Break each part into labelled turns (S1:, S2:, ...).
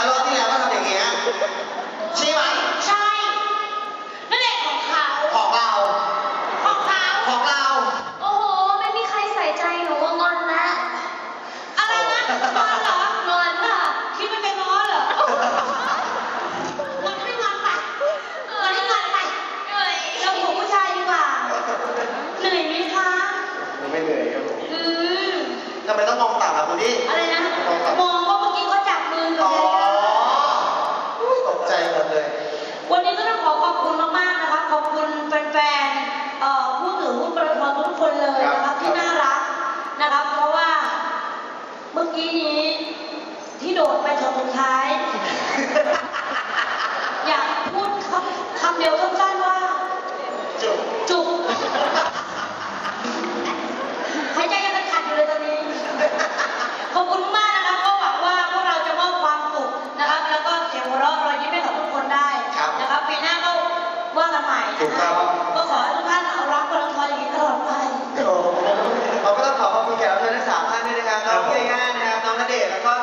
S1: รอบที่แล้วก็ทำอย่างเงี้ยใช่ไหม
S2: ใช่นั่นแหละของเขา
S1: ของเรา
S2: ของเขา
S1: ของเรา
S3: โอ้โห ไม่มีใครใส่ใจหนูว่างอนแล้ว
S2: อะไรนะงอนเหรอง
S3: อนค่ะ
S2: คิดมันจะง้อเหรองอนไม่งอนไปงอนให้งอนไป
S3: เหนื่อย
S2: เราหัวผู้ชายดีกว่าเหนื่อยไหมคะ
S1: ไม่เหนื่อยครับผม
S2: อืม
S1: ทำไมต้องมองต่ำล่ะคุณดิ
S2: อะไรนะมองว่าเมื่อกี้เขาจับมือกั
S1: อ๋
S2: น
S1: อ
S2: เลย
S1: อุ๊ยตกใจหมดเลย
S2: วันนี้ก็ต้องขอบคุณมากๆนะคะขอบคุณแฟนๆผู้ถือหุ้นปตททุกคนเลยนะครับที่น่ารักนะครับ เพราะว่าเมื่อกี้นี้ที่โดดไปช็อตสุดท้าย อยากพูดคำเดียวสั้นๆว่า
S1: จุก
S2: จุกหายใจยังขัดอยู่เลยตอนนี้ ขอบคุณมากนะครับก็หวังว่าพวกเราจะมอบความสุขนะครับ แล้วก็เสียงหัวเราะรอยยิ้มให้กับทุกคนได้นะครับปีหน้าก็ว่ากันใหม่นะครับก็ขอให้ทุกท่านรักปตทอย่างนี้ตลอดไป
S1: โอ้โหเราก็ต้องขอบคุณแขกรับเชิญทั้ง3ท่านด้วยนะครับน้องเย่านะครับน้องณเดชน์แล้วก็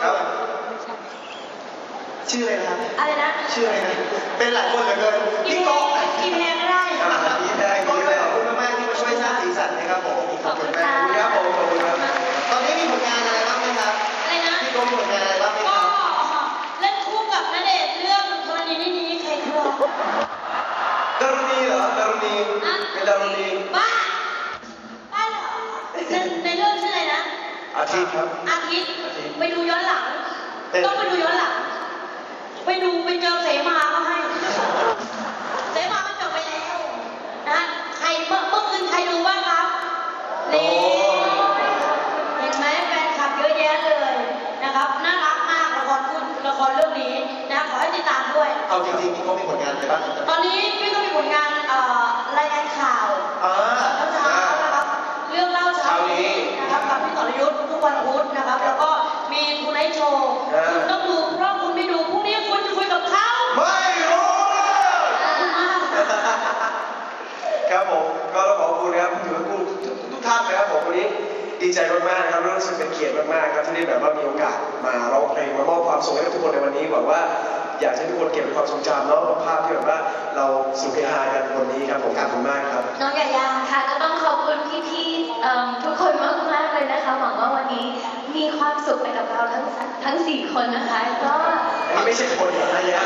S1: ชื่ออะไรนะครับ
S2: อะไรนะ
S1: ชื่ออะไรนะเป็นหลายคนเหลือเกิน
S2: กิ
S1: พี่
S2: นแพ
S1: โก้
S2: งกินแพงก็ได้
S1: พี่แดงก็ขอบคุณมากๆที่มาช่วยสร้างสีสันนะครับผมขอบคุณมากครับผมขอบคุณครับตอนนี้มีผลงานอะไรบ้างไหมครับ
S2: อะไรนะ
S1: พี่โก้มีผลงานอะไรบ้างไหมค
S2: ก็
S1: รับ
S2: เล่นคู่กับณเดชน์เรื่องธรณีนี้ใครครัว
S1: ดารุณีเหรอดารุณีเป็นดารุณี
S2: บ้าบ้าเหรอในเรื่องชื่ออะไรนะ
S1: อาทิตย์ครับ
S2: อาทิตย์ไปดูย้อนหลัง
S1: เป็น
S2: ต้องไปดูย้อนหลัง ไปดูไปเจอเสมาก็ให้ เสมามันจบไปแล้วนะใครเมื่อคืนใครดูบ้างครับนี่เห็นไหมแฟนคลับเยอะแยะเลยนะครับน่ารักมากละครเรื่องนี้นะขอให้ติดตามด้วย
S1: เอาจริงๆพี่โก้มีผลงานอะไรบ้าง
S2: ตอนนี้พี่ก็มีผลงานรายงานข่าว
S1: อ่า
S2: เช้าๆนะครับเรื่องเล่าเช้านี้นะครับกับพี่สรยุทธ์ทุกวันพุธนะครับ แล้วก็มีทูไนท์โชว์คุณต้องดูเพราะคุณไม่ดูพรุ่งนี้คุณจะคุยกับเขา
S1: ไม่รู้
S2: ขอบคุณมาก
S4: ครับผมก็ต้องขอบคุณนะครับถือว่าทุกท่านนะครับผมวันนี้ดีใจมากๆนะครับรู้สึกเป็นเกียรติมากๆครับที่ได้แบบว่ามีโอกาสมาร้องเพลงมามอบความสุขให้กับทุกคนในวันนี้หวังว่าอยากให้ทุกคนเก็บเป็นความทรงจำเนาะภาพที่แบบว่าเราสุขเฮฮากันวันนี้ครับผมขอบคุณมากครับ
S2: น้องยายา
S3: ค่ะก็ต้องขอบคุณพี่ๆทุกคนมากๆเลยนะคะ หวังว่าวันนี้มีความสุขไปกับเราทั้ง4 คนนะคะ ก็
S4: อันนี้ไม่ใช่คนอะไรนะ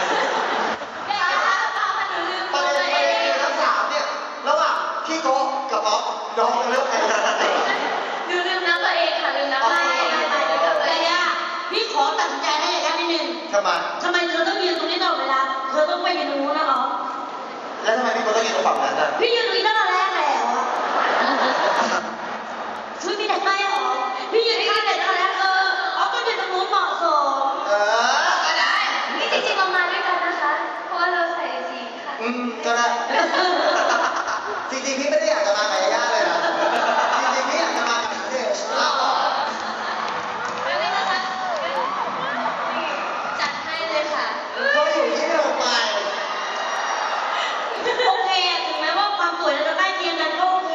S1: ประเด็นคือทั้ง3เนี่ยระหว่างพี่โก้กับป๊อปน้องเลือกใคร
S3: ลืมน้ำตัวเองค่ะลืมน้ำตัวเอง
S2: ยายาพี่ขอตัดสินใจให้ยายานิดนึง
S1: ทำไม
S2: ทำไมเธอต้องยืนตรงนี้ตลอดเวลาเธอต้องไปยืนตรงนู้นนะเหรอ
S1: แล้วทำไมพี่โก้ต้องยืนตรงฝั่งนั้นอ่ะ
S2: พี่ยืนตรงนี้ตั้งแต่แรกแล้วอะช่วยพี่ได้ไหมเหรอพี่ยืนที่นี่แต่ตั้งแต่แรกก็ยืนตรงนู้นเหมาะสม
S1: ก็ได้
S3: นี่จริงๆเรามาด้วยกันนะคะ เพราะว่าเราใส่สีค่ะ
S1: ก็ได้ จริงๆพี่ไม่ได้อยากจะมากับยาย่าเลยนะจริงๆพี่อยากจะมากับณเดชน์
S3: ไม่ได้นะคะจัดให้เลยค่ะ
S1: ก็อยู่ที่เดิมไป
S2: โอเคถึงแม้ว่าความสวยเราจะใกล้เคียงกันก็โอเค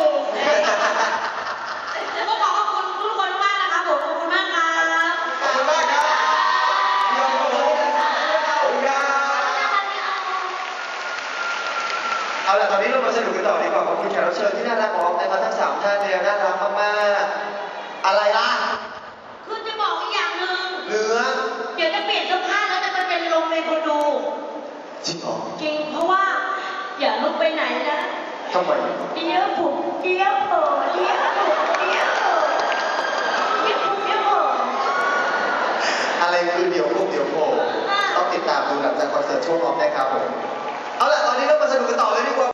S2: แล้วก็ขอขอบคุณทุกคนมากนะคะผมขอบคุณมากครับ
S1: ขอบคุณมากครับขอบคุณครับเอาล่ะตอนนี้เรามาสนุกกันต่อดีกว่าขอบคุณแขกรับเชิญที่น่ารักของนะครับทั้ง3ท่านเนี่ยน่ารักมากๆอะไรล่ะ
S2: คือจะบอกอีกอย่างหนึ่ง
S1: เนื้อ
S2: เดี๋ยวจะเปลี่ยนเสื้อผ้าแล้วจะมาเป็นลงในคนดู
S1: จริงเหรอ
S2: จริงเพราะว่าอย่าลุกไปไหนนะ
S1: ทำไม
S2: เดี๋ยวผมเดี๋ยวเผลอเดี๋ยวผมเดี๋ยวเผลอเดี๋ยวผมเดี๋ยวเผลอ
S1: อะไรคือเดี๋ยวพวกเดี๋ยวโผล่ต้องติดตามดูหลังจากคอนเสิร์ตช่วงออฟนะครับผมเอาล่ะตอนนี้เรามาสนุกกันต่อเลยดีกว่า